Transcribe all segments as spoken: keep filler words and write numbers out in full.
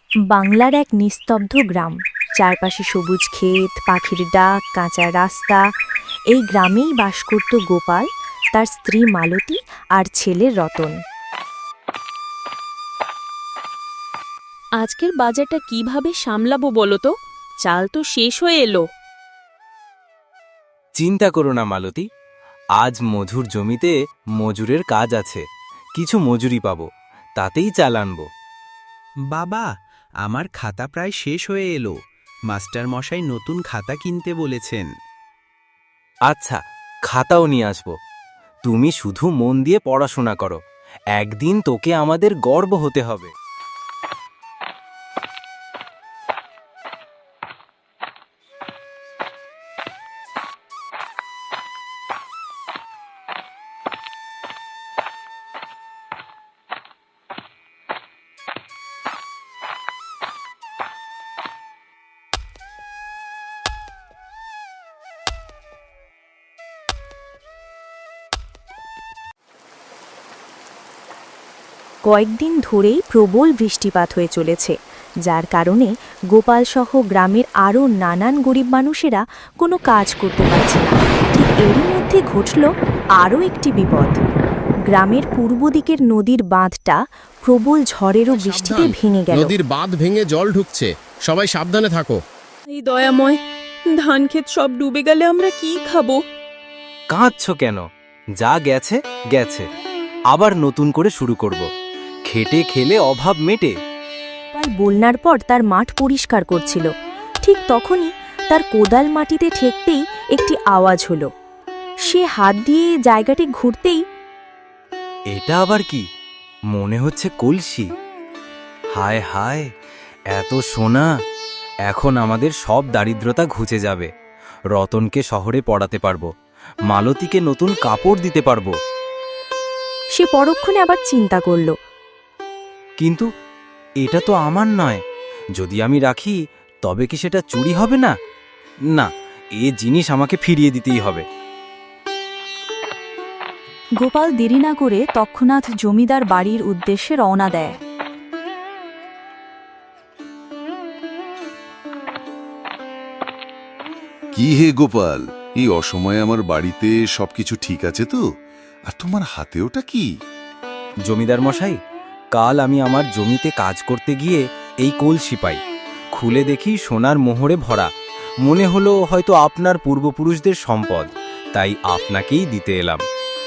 বাংলার এক নিস্তব্ধ গ্রাম, চারপাশে সবুজ ক্ষেত, পাখির ডাক, কাঁচা রাস্তা। এই গ্রামেই বাস করত গোপাল, তার স্ত্রী মালতী আর ছেলে রতন। আজকের বাজারটা কিভাবে সামলাবো বলো তো? চাল তো শেষ হয়ে এলো। চিন্তা করো না মালতী, আজ মধুর জমিতে মজুরের কাজ আছে, কিছু মজুরি পাবো, তাতেই চাল আনবো। বাবা, আমার খাতা প্রায় শেষ হয়ে এলো। মাস্টার মশাই নতুন খাতা কিনতে বলেছেন। আচ্ছা, খাতাও নিয়ে আসবো। তুমি শুধু মন দিয়ে পড়াশোনা করো, একদিন তোকে আমাদের গর্ব হতে হবে। কয়েকদিন ধরেই প্রবল বৃষ্টিপাত হয়ে চলেছে, যার কারণে গোপালসহ গ্রামের আরও নানান গরিব মানুষেরা কোনো কাজ করতে পারছে না। ঠিক এরই মধ্যে ঘটল আরও একটি বিপদ। গ্রামের পূর্ব দিকের নদীর বাঁধটা প্রবল ঝড়েরও বৃষ্টিতে ভেঙে গেল। নদীর বাঁধ ভেঙে জল ঢুকছে, সবাই সাবধানে থাকো। এই দয়াময়, ধান ক্ষেত সব ডুবে গেলে আমরা কি খাবো? কাঁদছো কেন? যা গেছে গেছে, আবার নতুন করে শুরু করব। খেটে খেলে অভাব মেটে। গোপাল বন্যার পর তার মাঠ পরিষ্কার করছিল, ঠিক তখনই তার কোদাল মাটিতে ঠেকতেই একটি আওয়াজ হলো। সে হাত দিয়ে জায়গাটি ঘুরতেই এটা আবার কি? মনে হচ্ছে কলসি। হায় হায়, এত সোনা! এখন আমাদের সব দারিদ্রতা ঘুচে যাবে। রতনকে শহরে পড়াতে পারবো, মালতীকে নতুন কাপড় দিতে পারবো। সে পরক্ষণে আবার চিন্তা করল, কিন্তু এটা তো আমার নয়, যদি আমি রাখি তবে কি সেটা চুরি হবে না? না, এ জিনিস আমাকে ফিরিয়ে দিতেই হবে। গোপাল দেরি না করে তৎক্ষণাৎ জমিদার বাড়ির উদ্দেশ্যে রওনা দেয়। কি হে গোপাল, এই অসময়ে আমার বাড়িতে সবকিছু ঠিক আছে তো? আর তোমার হাতে ওটা কি? জমিদার মশাই, কাল আমি আমার জমিতে কাজ করতে গিয়ে এই কলসি পাই। খুলে দেখি সোনার মোহরে ভরা। মনে হলো হয়তো আপনার পূর্বপুরুষদের সম্পদ, তাই আপনাকেই দিতে এলাম।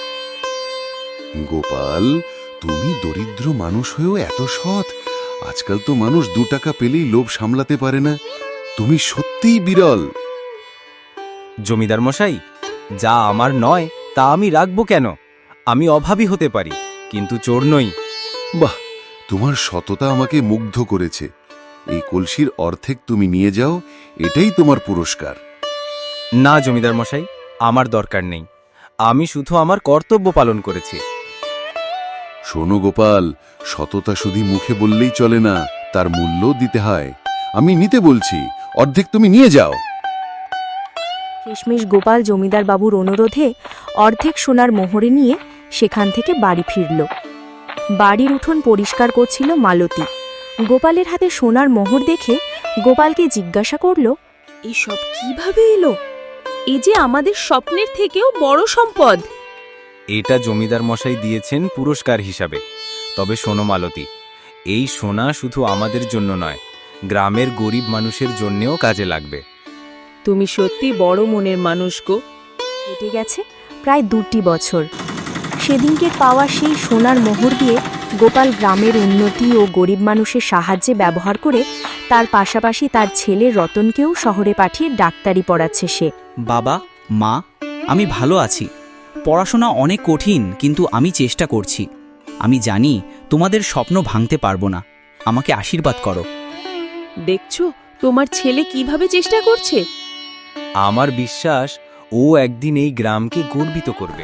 গোপাল, তুমি দরিদ্র মানুষ হয়েও এত সৎ। আজকাল তো মানুষ দু টাকা পেলেই লোভ সামলাতে পারে না। তুমি সত্যিই বিরল। জমিদার মশাই, যা আমার নয় তা আমি রাখবো কেন? আমি অভাবী হতে পারি, কিন্তু চোর নই। বাহ, তোমার সততা আমাকে মুগ্ধ করেছে। এই কলসির অর্ধেক তুমি নিয়ে যাও, এটাই তোমার পুরস্কার। না জমিদার মশাই, আমার দরকার নেই। আমি শুধু আমার কর্তব্য পালন করেছি। শোনো গোপাল, সততা শুধু মুখে বললেই চলে না, তার মূল্য দিতে হয়। আমি নিতে বলছি, অর্ধেক তুমি নিয়ে যাও। শেষমেশ গোপাল জমিদার বাবুর অনুরোধে অর্ধেক সোনার মোহরে নিয়ে সেখান থেকে বাড়ি ফিরল। বাড়ির উঠোন পরিষ্কার করছিল মালতী। গোপালের হাতে সোনার মোহর দেখে গোপালকে জিজ্ঞাসা করল, এসব কিভাবে এলো? এ যে আমাদের স্বপ্নের থেকেও বড় সম্পদ। এটা জমিদার মশাই দিয়েছেন পুরস্কার হিসাবে। তবে শোনো মালতী, এই সোনা শুধু আমাদের জন্য নয়, গ্রামের গরিব মানুষের জন্যেও কাজে লাগবে। তুমি সত্যি বড় মনের মানুষ গো। কেটে গেছে প্রায় দুটি বছর। সেদিনকের পাওয়া সেই সোনার মোহর দিয়ে গোপাল গ্রামের উন্নতি ও গরিব মানুষের সাহায্যে ব্যবহার করে তার পাশাপাশি তার ছেলে রতনকেও শহরে পাঠিয়ে ডাক্তারি পড়াচ্ছে সে। বাবা, মা, আমি ভালো আছি। পড়াশোনা অনেক কঠিন, কিন্তু আমি চেষ্টা করছি। আমি জানি তোমাদের স্বপ্ন ভাঙতে পারবো না। আমাকে আশীর্বাদ করো। দেখছো তোমার ছেলে কিভাবে চেষ্টা করছে? আমার বিশ্বাস ও একদিন এই গ্রামকে গর্বিত করবে।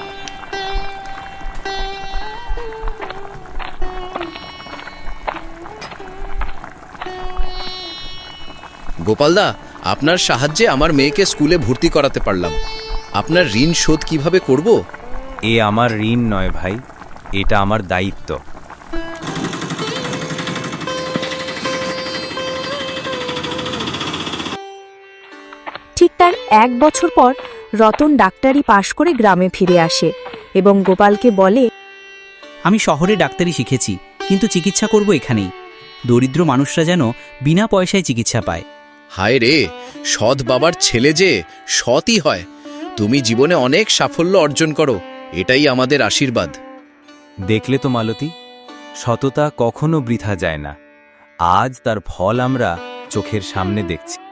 গোপালদা, আপনার সাহায্যে আমার মেয়েকে স্কুলে ভর্তি করাতে পারলাম। আপনার ঋণ শোধ কিভাবে করব? এ আমার ঋণ নয় ভাই, এটা আমার দায়িত্ব। তার এক বছর পর রতন ডাক্তারি পাশ করে গ্রামে ফিরে আসে এবং গোপালকে বলে, আমি শহরে ডাক্তারি শিখেছি, কিন্তু চিকিৎসা করব এখানেই। দরিদ্র মানুষরা যেন বিনা পয়সায় চিকিৎসা পায়। হায় রে, সৎ বাবার ছেলে যে সৎই হয়। তুমি জীবনে অনেক সাফল্য অর্জন করো, এটাই আমাদের আশীর্বাদ। দেখলে তো মালতী, সততা কখনো বৃথা যায় না। আজ তার ফল আমরা চোখের সামনে দেখছি।